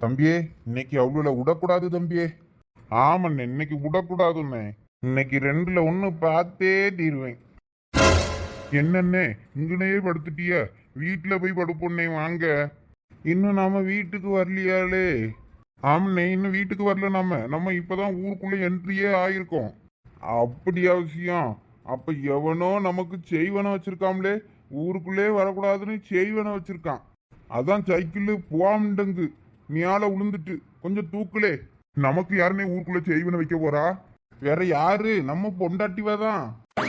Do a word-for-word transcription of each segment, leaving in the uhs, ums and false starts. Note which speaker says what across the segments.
Speaker 1: தம்பியே, இன்னைக்கு அவ்வளோ விடக்கூடாது தம்பியே. ஆமாண்ணே, இன்னைக்கு விடக்கூடாதுண்ணே. இன்னைக்கு ரெண்டுல ஒண்ணு பார்த்தே தீருவேன். என்னண்ணே இங்கனே படுத்துட்டிய? வீட்டுல போய் படுப்போண்ணே வாங்க. இன்னும் நாம வீட்டுக்கு வரலையாளே? ஆமாண்ணே, இன்னும் வீட்டுக்கு வரல. நாம நம்ம இப்பதான் ஊருக்குள்ள என்ட்ரியே ஆயிருக்கோம். அப்படி அவசியம்? அப்ப எவனோ நமக்கு செய்வன வச்சிருக்காம்லே, ஊருக்குள்ளே வரக்கூடாதுன்னு செய்வன வச்சிருக்கான். அதான் சைக்கிள் போவாமண்டங்கு மேல உளுந்துட்டு கொஞ்சம் தூக்குலே. நமக்கு யாருன்னே ஊருக்குள்ள செய்வன வைக்க போறா? வேற யாரு? நம்ம பொண்டாட்டிவாதான்.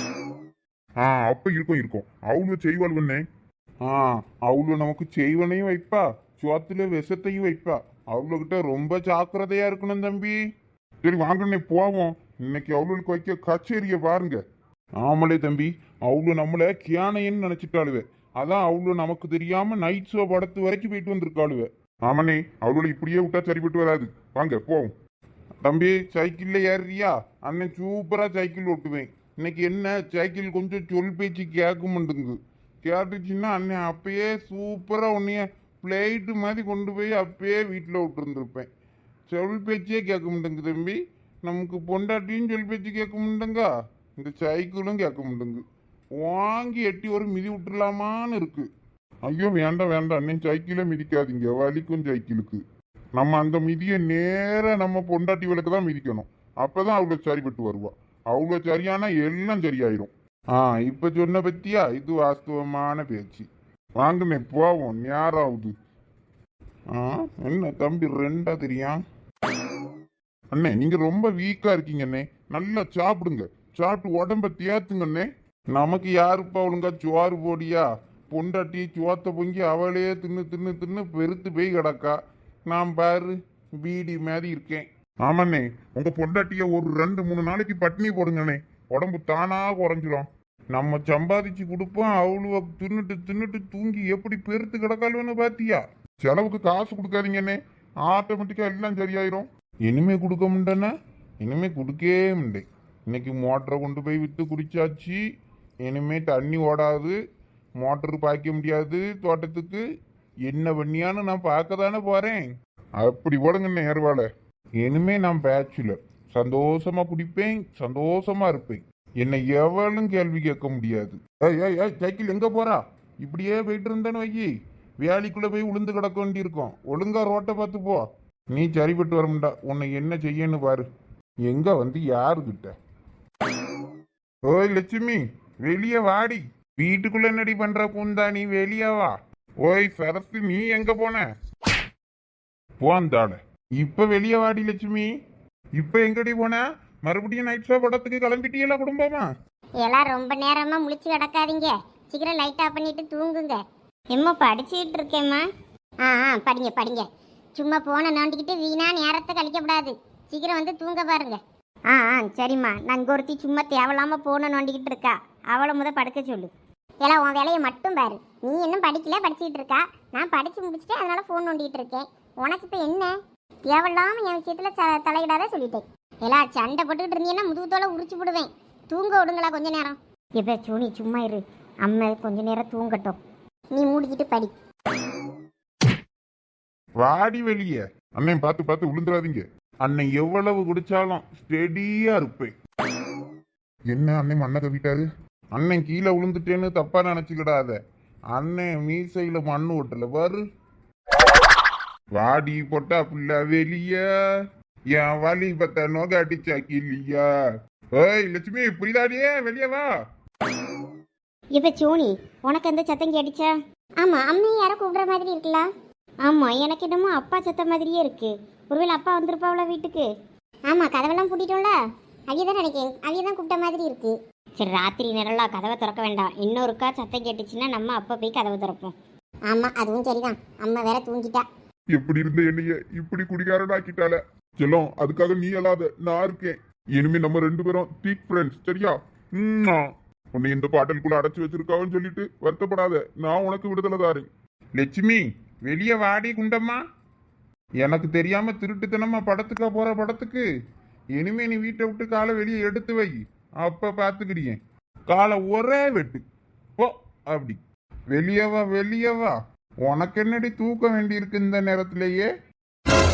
Speaker 1: ஆ அப்ப இருக்கும் இருக்கும் அவ்வளவு செய்வாள்வண்ணே. ஆ அவ்வளவு நமக்கு செய்வனையும் வைப்பா, சோத்துல விஷத்தையும் வைப்பா. அவ்வளவுகிட்ட ரொம்ப ஜாக்கிரதையா இருக்கணும் தம்பி. சரி வாங்கண்ணே போவோம். இன்னைக்கு அவ்வளவுக்கு வைக்க கச்சேரிய பாருங்க. ஆமலே தம்பி, அவ்வளவு நம்மள கியானைன்னு நினைச்சிட்டாளுவே. அதான் அவ்வளவு நமக்கு தெரியாம நைட் ஷோ படத்து வரைக்கும் போயிட்டு வந்திருக்காளுவே. ஆமாண்ணே, அவ்வளவு இப்படியே விட்டா சரிப்பட்டு வராது. வாங்க போவோம். தம்பி சைக்கிள்ல ஏறியா? அண்ணன் சூப்பரா சைக்கிள் ஓட்டுவேன். இன்னைக்கு என்ன சைக்கிள் கொஞ்சம் சொல் பேச்சு கேட்க மாட்டேங்குது. கேட்டுச்சுன்னா அண்ணன் அப்பயே சூப்பரா உன்னைய பிளேட்டு மாதிரி கொண்டு போய் அப்பயே வீட்டில் விட்டுருந்துருப்பேன். சொல் பேச்சே கேட்க மாட்டேங்குது தம்பி. நமக்கு பொண்டாட்டியும் சொல் பேச்சு கேட்க மாட்டேங்கா, இந்த சைக்கிளும் கேட்க மாட்டேங்கு. வாங்கி எட்டி ஒரு மிதி விட்டுலாமான்னு இருக்கு. ஐயோ வேண்டாம் வேண்டாம் அண்ணன், சைக்கிளே மிதிக்காதீங்க, வலிக்கும் சைக்கிளுக்கு. நம்ம அந்த மிதியை நேர நம்ம பொண்டாட்டி விளக்கு தான் மிதிக்கணும். அப்பதான் அவ்வளோ சரிப்பட்டு வருவா. அவ்வளோ சரியானா எல்லாம் சரியாயிரும். ஆ இப்ப சொன்ன பத்தியா, இது வாஸ்தவமான பேச்சு. வாங்கண்ணே போவோம், நேராகுது. ஆ என்ன தம்பி ரெண்டா தெரியும்? அண்ணே நீங்க ரொம்ப வீக்கா இருக்கீங்கண்ணே, நல்லா சாப்பிடுங்க. சாப்பிட்டு உடம்ப தேத்துங்கண்ணே. நமக்கு யாருப்பா ஒழுங்கா சோறு போடியா? பொண்டாட்டி சோத்த பொங்கி அவளே தின்னு தின்னு தின்னு பெருத்து போய் கிடக்கா. நான் பாரு பீடி மாதிரி இருக்கேன். ஆமாண்ணே, உங்க பொண்டாட்டிய ஒரு ரெண்டு மூணு நாளைக்கு பட்டினி போடுங்கண்ணே, உடம்பு தானா குறைஞ்சிடும். நம்ம சம்பாதிச்சு கொடுப்போம், அவ்வளோ தின்னுட்டு தின்னுட்டு தூங்கி எப்படி பெருத்து கிடக்காளுன்னு பாத்தியா? செலவுக்கு காசு கொடுக்காதீங்கண்ணே, ஆட்டோமேட்டிக்கா எல்லாம் சரியாயிரும். இனிமே கொடுக்க முடியனா? இனிமே கொடுக்கவே முடியும். இன்னைக்கு மோட்டரை கொண்டு போய் வித்து குடிச்சாச்சு. இனிமே தண்ணி ஓடாது, மோட்டரு பாய்க்க முடியாது தோட்டத்துக்கு. என்ன பண்ணியான்னு நான் பார்க்க தானே போறேன். அப்படி ஓடுங்கண்ணே ஏறுவாள. இனிமே நான் பேச்சுலர், சந்தோஷமா குடிப்பேன், சந்தோஷமா இருப்பேன். என்னை எவளும் கேள்வி கேட்க முடியாது. ஏய் ஏய் ஏய் சைக்கிள் எங்க போறா? இப்படியே போயிட்டு இருந்தேன்னு வைக்கி, வேலைக்குள்ள போய் உளுந்து கிடக்க வேண்டி இருக்கும். ஒழுங்கா ரோட்டை பார்த்து போ. நீ சரிப்பட்டு வர முடியா. உன்னை என்ன செய்யன்னு பாரு. எங்க வந்து யாருக்கிட்ட? ஓய் லட்சுமி, வெளியே வாடி. வீட்டுக்குள்ள என்னடி பண்ற கூந்தா? நீ வெளியே வா. ஓய் சரசு, நீ எங்க போன? போந்தாட. இப்ப வெளியே வாடி லட்சுமி. இப்ப எங்கடி போன? மறுபடியும் நைட் ஷோ படத்துக்கு கிளம்பிட்டீங்களா குடும்பமா?
Speaker 2: எல்லாம் ரொம்ப நேரமா முழிச்சு கிடக்காதீங்க, சீக்கிரம் லைட் ஆஃப் பண்ணிட்டு தூங்குங்க. எம்மா படிச்சுட்டு இருக்கேம்மா. ஆ ஆ படிங்க படிங்க. சும்மா போன நோண்டிக்கிட்டு வீணா நேரத்தை கழிக்கப்படாது. சீக்கிரம் வந்து தூங்க பாருங்க. ஆ ஆ சரிம்மா. நான் ஒருத்தி சும்மா தேவையில்லாம போன நோண்டிக்கிட்டு இருக்கா, அவளை முத படுக்க சொல்லு. எல்லாம் உன் வேலையை மட்டும் பாரு. நீ இன்னும் படிக்கல, படிச்சுட்டு இருக்கா. நான் படிச்சு முடிச்சுட்டு அதனால ஃபோன் நோண்டிட்டு இருக்கேன். உனக்கு இப்போ என்ன? தேவையில்லாம என் விஷயத்துல தலையிடாத சொல்லிட்டேன். எல்லாம் சண்டை போட்டுக்கிட்டு இருந்தீங்கன்னா முதுகுத்தோட உரிச்சு விடுவேன். தூங்க விடுங்களா கொஞ்ச நேரம். எப்ப சோனி சும்மா இரு, அம்மா கொஞ்ச நேரம் தூங்கட்டும். நீ மூடிக்கிட்டு படி.
Speaker 1: வாடி வெளியே. அண்ணன் பார்த்து பார்த்து விழுந்துடாதீங்க. அண்ணன் எவ்வளவு குடிச்சாலும் ஸ்டெடியா இருப்பேன். என்ன அண்ணன் மண்ணை கவிட்டாரு? அண்ணன் கீழே விழுந்துட்டேன்னு தப்பா நினைச்சுக்கிடாத. அண்ணன் மீசையில மண்ணு ஓட்டல பாரு. வாடி போட்டா புள்ள வெளிய, என் வலி பத்த நோக அடிச்சா கிளியா. ஓய் லட்சுமி, புரியுதாடியே? வெளியே வா.
Speaker 2: இப்ப சோனி, உனக்கு எந்த சத்தம் கேட்டுச்சா? ஆமா, அம்மையை யாரோ கூப்பிடுற மாதிரி இருக்குல்ல. ஆமா, எனக்கு என்னமோ அப்பா சத்தம் மாதிரியே இருக்கு. ஒருவேளை அப்பா வந்திருப்பாவுல வீட்டுக்கு. ஆமா, கதவெல்லாம் பூட்டிட்டோம்ல, அவியதான் நினைக்கிறேன். அவியதான் கூப்பிட்ட மாதிரி இருக்கு. சரி, ராத்திரி நேரம்லாம் கதவை திறக்க வேண்டாம். இன்னொருக்கா சத்தம் கேட்டுச்சுன்னா நம்ம அப்பா போய் கதவை திறப்போம். ஆமா, அதுவும் சரிதான். அம்மா வேற தூங்கிட்டா.
Speaker 1: எப்படி இருந்த என்னைய இப்படி குடிகாரனாக்கிட்டால செல்லம். அதுக்காக நீ அல்லாத நான் இருக்கேன். இனிமே நம்ம ரெண்டு பேரும் திக் ஃப்ரெண்ட்ஸ், சரியா? உன்னை இந்த பாட்டலுக்குள்ள அடைச்சு வச்சிருக்காவன்னு சொல்லிட்டு வருத்தப்படாத. நான் உனக்கு விடுதலை தாரேன். லட்சுமி, வெளியே வாடி குண்டம்மா. எனக்கு தெரியாம திருட்டுத்தனமா படத்துக்கா போற படத்துக்கு? இனிமே நீ வீட்டை விட்டு காலை வெளியே எடுத்து வை. அப்ப பாத்துக்கிறியேன். காலை ஒரே வெட்டு போ. அப்படி வெளியவா வெளியவா. உனக்கு என்னடி தூக்க வேண்டி இருக்கு இந்த நேரத்திலேயே?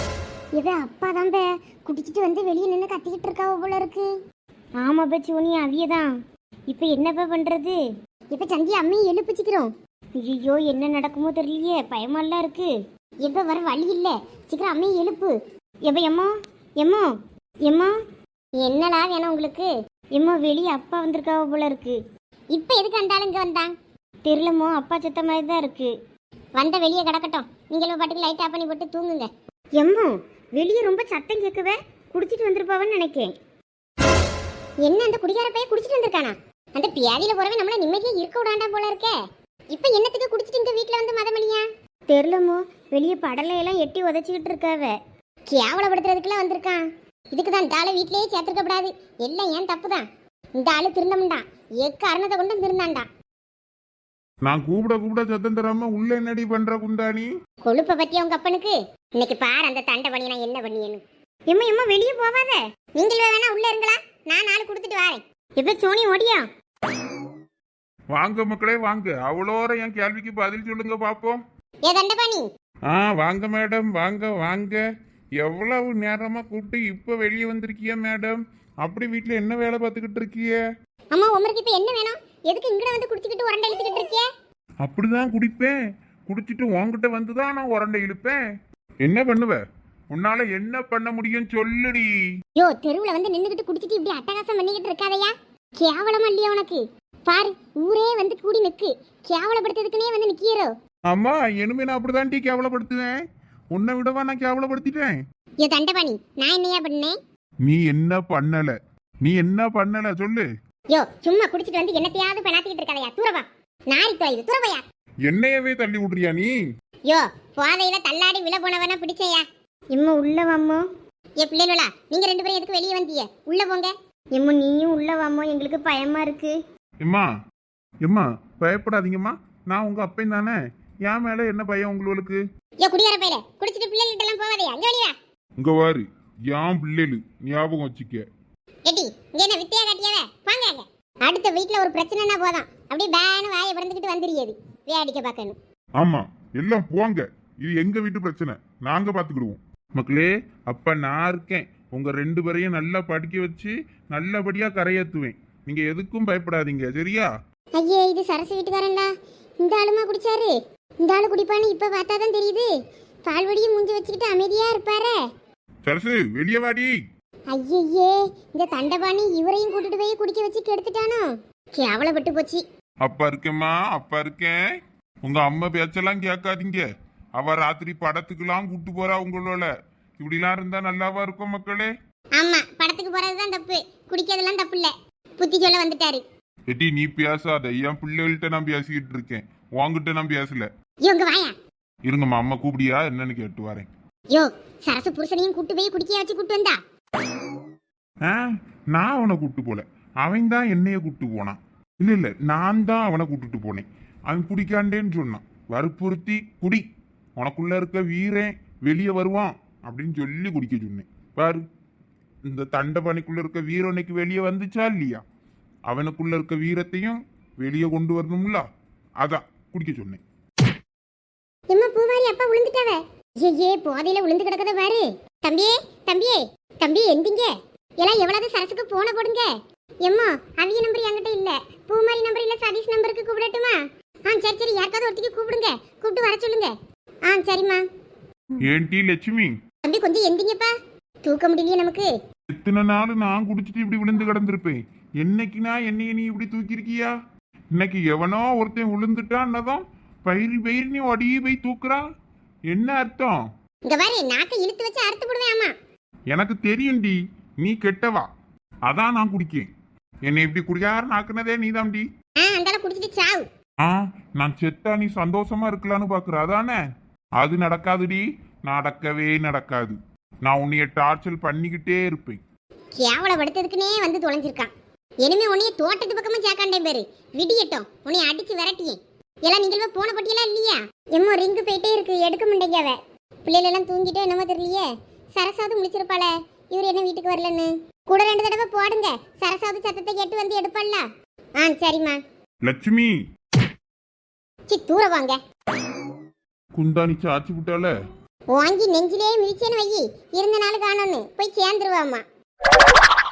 Speaker 2: இவ அப்பா தான் பே குடிச்சிட்டு வந்து வெளியே நின்று கத்திக்கிட்டு இருக்காவ போல இருக்கு. ஆமா பே சோனி அவியதான். இப்போ என்னப்பா பண்றது? இப்போ சந்தி அம்மையை எழுப்பிச்சுக்கிறோம். ஐயோ என்ன நடக்குமோ தெரியலையே, பயமாலாம் இருக்கு. எப்போ வர வழி இல்லை, சீக்கிரம் அம்மையை எழுப்பு. எப்போ எம்மோ எம்மோ எம்மோ என்னடா வேணும் உங்களுக்கு? எம்மோ வெளியே அப்பா வந்திருக்காவ போல இருக்கு. இப்போ எதுக்கு அந்த ஆளுங்க வந்தான் தெரியலமோ, அப்பா செத்த மாதிரி தான் இருக்கு. வந்த வெளியே கிடக்கட்டும், நீங்களும் பாட்டுக்கு லைட் ஆஃப் பண்ணி போட்டு தூங்குங்க. எம்மோ வெளியே ரொம்ப சத்தம் கேட்கவே, குடிச்சிட்டு வந்திருப்பாவன்னு நினைக்கேன். என்ன அந்த குடிகார பையன் குடிச்சிட்டு வந்திருக்கானா? அந்த பியாதியில போறவே நம்மள நிம்மதியா இருக்க விடாண்டா போல இருக்கே. இப்போ என்னத்துக்கு குடிச்சிட்டு இங்க வீட்ல வந்து மதமணியா தெரியலமோ, வெளியே படலையெல்லாம் எட்டி உதச்சிக்கிட்டு இருக்காவ. கேவலப்படுத்துறதுக்குலாம் வந்திருக்கான். இதுக்கு தான் இந்த ஆளை வீட்லயே சேர்த்துருக்கப்படாது. எல்லாம் ஏன் தப்பு தான். இந்த ஆளு திருந்தமுண்டான், எக்காரணத்தை கொண்டு திருந்தாண்டா.
Speaker 1: நான் கூப்பிட கூப்பிட சத்தம் தராம உள்ள என்னடி பண்ற குந்தாணி?
Speaker 2: கொழுப்ப பத்தியா உங்க அப்பனுக்கு? இன்னைக்கு பாரு அந்த தண்டை பண்ணி நான் என்ன பண்ணியேன்னு. எம்மா எம்மா வெளியே போவாத, நீங்களே வேணா உள்ள இருங்களா, நான் நாலு கொடுத்துட்டு வரேன். இப்ப சோனி ஓடியா?
Speaker 1: வாங்க மக்களே வாங்க, அவ்வளோர என் கேள்விக்கு பதில் சொல்லுங்க பாப்போம்.
Speaker 2: ஏ தண்டபாணி.
Speaker 1: ஆ வாங்க மேடம், வாங்க வாங்க. எவ்வளவு நேரமா கூப்பிட்டு இப்ப வெளியே வந்திருக்கிய மேடம்? அப்படி வீட்டுல என்ன வேலை பார்த்துக்கிட்டு இருக்கிய?
Speaker 2: அம்மா உமருக்கு இப்ப என்ன வேணும்? எதுக்கு இங்கட வந்து குடிச்சிட்டு உரண்டை இழுத்துக்கிட்டு இருக்கிய?
Speaker 1: அப்படிதான் குடிப்பேன். குடிச்சிட்டு உன்கிட்ட வந்துதான் நான் உரண்டை இழுப்பேன். என்ன பண்ணுவ? உன்னால என்ன பண்ண முடியும் சொல்லுடி.
Speaker 2: யோ தெருவுல வந்து நின்னுகிட்டு குடிச்சிட்டு இப்படி அட்டகாசம் பண்ணிக்கிட்டு இருக்காதயா. கேவலமா இல்லையா உனக்கு? பாரு ஊரே வந்து கூடி நிக்கு, கேவலப்படுத்துறதுக்குனே வந்து நிக்கிறோ.
Speaker 1: ஆமா, இனிமே நான் அப்படிதான் டீ கேவலப்படுத்துவேன். உன்னை விடவா நான் கேவலப்படுத்திட்டேன்?
Speaker 2: யோ தண்டபாணி, நான் என்னையா பண்ணேன்?
Speaker 1: நீ என்ன பண்ணல? நீ என்ன பண்ணல சொல்லு.
Speaker 2: யோ சும்மா குடிச்சிட்டு வந்து என்னத்தையாவது பெணாத்திக்கிட்டு இருக்காதயா. தூரவா, நாரி தொலைது, தூரவையா.
Speaker 1: என்னையவே தள்ளி விடுறியா நீ?
Speaker 2: யோ போதையில தள்ளாடி விழ போனவனா பிடிச்சையா. இம்மா உள்ள வாமோ. ஏ பிள்ளைகளா, நீங்க ரெண்டு பேரும் எதுக்கு வெளியே வந்தீங்க? உள்ள போங்க. இம்மா நீயும் உள்ள வாமோ, எங்களுக்கு பயமா இருக்கு.
Speaker 1: எம்மா எம்மா பயப்படாதீங்கம்மா, நான் உங்க அப்பன் தானே. என் மேல என்ன பயம் உங்களுக்கு?
Speaker 2: ஏ குடியார பையல, குடிச்சிட்டு பிள்ளைகிட்ட எல்லாம் போவாதயா. அங்க வெளியா.
Speaker 1: இங்க வாரு, என் பிள்ளைகளு ஞாபகம் வச்சுக்க.
Speaker 2: எடி இங்க என்ன வித்தையா காட்டியாவே? வாங்க அங்க. அடுத்த வீட்ல ஒரு பிரச்சனைனா போதும் அப்படியே பேனு வாயை பிறந்துக்கிட்டு வந்துறியது வேடிக்கை பார்க்கணும்.
Speaker 1: ஆமா எல்லாம் போங்க, இது எங்க வீட்டு பிரச்சனை, நாங்க பாத்துக்கிடுவோம். மக்களே, அப்ப நான் இருக்கேன். உங்க ரெண்டு பேரையும் நல்லா படிக்க வச்சு நல்லபடியா கரையேத்துவேன். நீங்க எதுக்கும் பயப்படாதீங்க, சரியா?
Speaker 2: ஐயே இது சரசு வீட்டுக்காரன்டா. இந்த ஆளுமா குடிச்சாரு? இந்த ஆளு குடிப்பான்னு இப்ப பார்த்தாதான் தெரியுது. பால்வடியும் மூஞ்சி வச்சுக்கிட்டு அமைதியா இருப்பாரு.
Speaker 1: சரசு வெளியே வாடி.
Speaker 2: ஐயே இந்த தண்டபாணி இவரையும் கூட்டிட்டு போய் குடிக்க வச்சு கெடுத்துட்டானோ. கேவலப்பட்டு போச்சு.
Speaker 1: அப்பா இருக்கேம்மா, அப்பா இருக்கேன். உங்க அம்மா பேச்செல்லாம் கேட்காதீங்க. அவ ராத்திரி படத்துக்கெல்லாம் கூட்டு போறா உங்களோட. இப்படிலாம் இருந்தா நல்லாவா இருக்கும் மக்களே?
Speaker 2: ஆமா, படத்துக்கு போறதுதான் தப்பு, குடிக்கிறதெல்லாம் தப்பு இல்ல. புத்தி சொல்ல வந்துட்டாரு.
Speaker 1: எட்டி நீ பேசாத, என் பிள்ளைகள்கிட்ட நான் பேசிக்கிட்டு இருக்கேன், உன்கிட்ட நான் பேசல.
Speaker 2: இவங்க வாயா.
Speaker 1: இருங்கம்மா, அம்மா கூப்பிடியா என்னன்னு கேட்டு வரேன்.
Speaker 2: யோ சரசு புருஷனையும் கூட்டு போய் குடிக்க வச்சு கூட்டு வந்தா?
Speaker 1: ஆ, நான் அவனை கூட்டு போல, அவன் தான் என்னைய கூட்டு போனான். இல்ல இல்ல, நான் தான் அவனை கூட்டுட்டு போனேன். அவன் குடிக்காண்டேன்னு சொன்னான். வற்புறுத்தி குடி, உனக்குள்ள இருக்க வீரன் வெளியே வருவான் அப்படின்னு சொல்லி குடிக்க சொன்னேன். பாரு, இந்த தண்டபாணிக்குள்ள இருக்க வீரம் இன்னைக்கு வெளியே வந்துச்சா இல்லையா? அவனுக்குள்ள இருக்க வீரத்தையும் வெளியே கொண்டு வரணும்ல, அதான் குடிக்க சொன்னேன்.
Speaker 2: எம்மா பூவாரி அப்பா விழுந்துட்டாவ. ஐயே போதையில விழுந்து கிடக்கத பாரு. தம்பியே தம்பியே தம்பி எந்திங்க. எல்லாம் எவ்வளவு சரசுக்கு போன போடுங்க. எம்மா அவிய நம்பர் என்கிட்ட இல்ல, பூமாரி நம்பர் இல்ல, சதீஷ் நம்பருக்கு கூப்பிடட்டுமா? ஆ சரி சரி, யாருக்காவது ஒருத்திக்கு கூப்பிடுங்க, கூப்பிட்டு வர சொல்லுங்க. ஆ சரிம்மா.
Speaker 1: ஏன்டி லட்சுமி?
Speaker 2: தம்பி கொஞ்சம் எந்திங்கப்பா, தூக்க முடியலையே நமக்கு.
Speaker 1: எத்தனை நாள் நான் குடிச்சிட்டு இப்படி விழுந்து கிடந்திருப்பேன். என்னைக்குனா என்னைய நீ இப்படி தூக்கி இருக்கியா? இன்னைக்கு எவனோ ஒருத்தன் விழுந்துட்டான்னதும் பயிர் பயிர் நீ ஒடி போய் தூக்குறா. என்ன அர்த்தம்?
Speaker 2: இங்க பாரு, நாக்க இழுத்து வச்சு அறுத்து போடுவேன். ஆமா
Speaker 1: எனக்கு தெரியும்டி, நீ கெட்டவா, அதான் நான் குடிக்கேன். என்னை இப்படி குடியாருன்னு ஆக்குனதே நீதான்டி.
Speaker 2: ஆ அந்தால குடிச்சிட்டு சாவு.
Speaker 1: ஆ, நான் செத்தா நீ சந்தோஷமா இருக்கலான்னு பாக்குற அதானே? அது நடக்காதுடி, நடக்கவே நடக்காது. நான் உன்னைய டார்ச்சல் பண்ணிக்கிட்டே இருப்பேன்.
Speaker 2: கேவலப்படுத்ததுக்குனே வந்து தொலைஞ்சிருக்கான். இனிமே உன்னைய தோட்டத்து பக்கமா சேர்க்காண்டே பேரு. விடியட்டும், உன்னைய அடிச்சு விரட்டியேன். எல்லாம் நீங்கள் போன பட்டியெல்லாம் இல்லையா? எம்மோ ரிங்கு போயிட்டே இருக்கு, எடுக்க மாட்டேங்கவ. பிள்ளைகள் எல்லாம் தூங்கிட்டே என்னமோ தெரியலையே. சரசாவது முடிச்சிருப்பாள, இவர் என்ன வீட்டுக்கு வரலன்னு. கூட ரெண்டு தடவை போடுங்க, சரசாவது சத்தத்தை கேட்டு வந்து எடுப்பாள்ல. ஆ சரிம்மா.
Speaker 1: லட்சுமி
Speaker 2: சி தூர வாங்க.
Speaker 1: குந்தாணி சாச்சு விட்டால.
Speaker 2: வாங்கி நெஞ்சிலே மிதிச்சேன்னு வை இருந்த நாள் காணோன்னு போய் சேர்ந்துருவாம்மா